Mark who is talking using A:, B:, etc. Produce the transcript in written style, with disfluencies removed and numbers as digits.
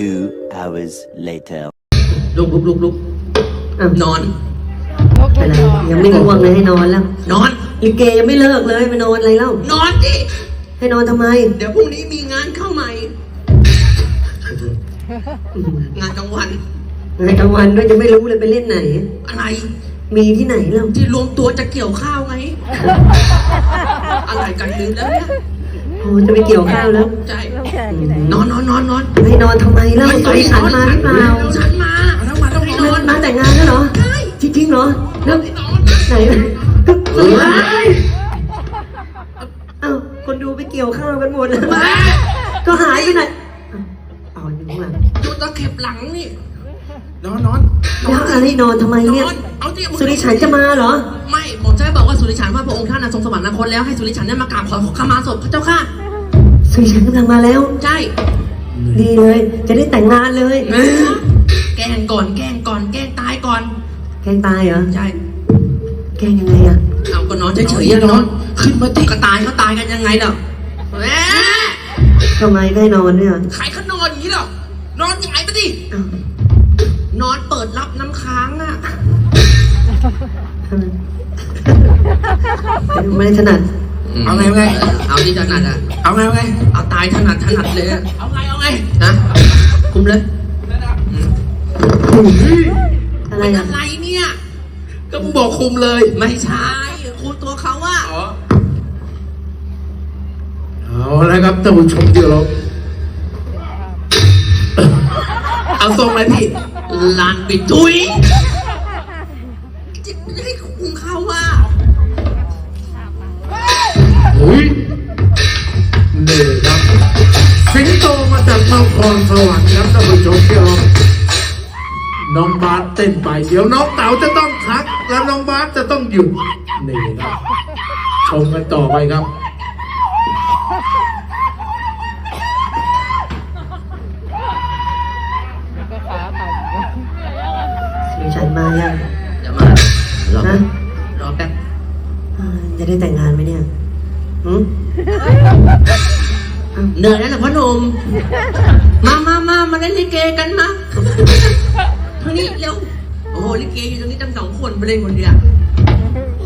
A: hours later.
B: ลุกนอน
C: อะไรยังไม่ง่วงเลยให้นอนแล้ว
B: นอน
C: ลิเกยังไม่เลิกเลยไปนอนอะไรเล่าน
B: อนดิ
C: ให้นอนทำไม
B: เดี๋ยวพรุ่งนี้มีงานเข้าใหม่ งานกลางวัน
C: ในกลางวันด้วยจะไม่รู้เลยไปเล่นไหน
B: อะไร
C: มีที่ไหนเล่า
B: ที่รวมตัวจะเกี่ยวข้าวไง อะไรกันลืมแล้วเนี่ย
C: โอ้จะไปเกี่ยวข้าวแล้ว
B: ใช่นอน
C: ให้นอนทำไมเล่าสายฉันมาหรือเปล่า
B: ฉันมาต้องให้นอน
C: มาแต่งงานแล้วเหรอ
B: ใช่
C: จริงๆเหรอแล้ว
B: นอน
C: ไหนเอ้าคนดูไปเกี่ยวข้าวกันหมดเลยก็หายไปไหนเอาอยู่ข้างหลัง
B: ดูตะเข็บหลังนี่ นอน
C: แล้วอะไรนอนทำไมเนี่ย
B: เอาที่
C: สุริฉันจะมาเหรอ
B: ไม่ผมจะบอกว่าสุริฉันว่าพระองค์ท่านทรงสวรรคตแล้วให้สุริฉันได้มากราบขอขมาศพพระเจ้าค่ะ
C: สุริฉันกำลังมาแล้ว
B: ใช่
C: ดีเลย จะได้แต่งงานเลย
B: แกล้งก่อนแกล้งตายก่อน
C: แกล้งตายเหรอ
B: ใช่
C: แกล้งยังไงอะ
B: เอาก็นอนเฉยๆนอนขึ้นมาติก็ตายเขาตายกันยังไงเนาะแหม
C: ทำไมได้นอนด้วยเหรอ
B: ใครเขานอนอย่างนี้หรอนอนหงายไปดิ
C: อ้าวน
B: อนเปิดรับน้ำค้างอ่ะ
C: ไม่ได้ถนัด
B: เอาไงเอาที่ถนัดอ่ะเอาไงเอาตายถนัดเลยอะเอาไงฮะคุมเลย
C: อะไร
B: เป็น
C: อะ
B: อะไรเนี่ยก็มึงบอกคุมเลยไม่ใช่คุมตัวเขาว่า
D: เอาละครับท่านผู้ชมที่เรา
B: เอาทรงอะไรพี่ลานปิดทุยจะให้คุมเขาว่า
D: เฮ้ยนี่ครับสิงโตมาจากนครสวรรค์ครับท่านผู้ชมที่เราน้องบาสเต้นไปเดี๋ยวน้องเต๋าจะต้องพักแล้วน้องบาสจะต้องหยุดนี่ครับชมกันต่อไปครับ
C: สุริฉันมายัง
B: เดี๋ยวมารอ
C: นะ
B: รอแป๊บ
C: จะได้แต่งงานไหมเนี่ยหืม
B: เหนื่อยแล้วเหรอพ่อหนุ่มมาเล่นลิเกกันมาทางนี้เร็วโอ้โหลิเกอยู่ตรงนี้ตั้ง2 คนไปเล่นคนเดียว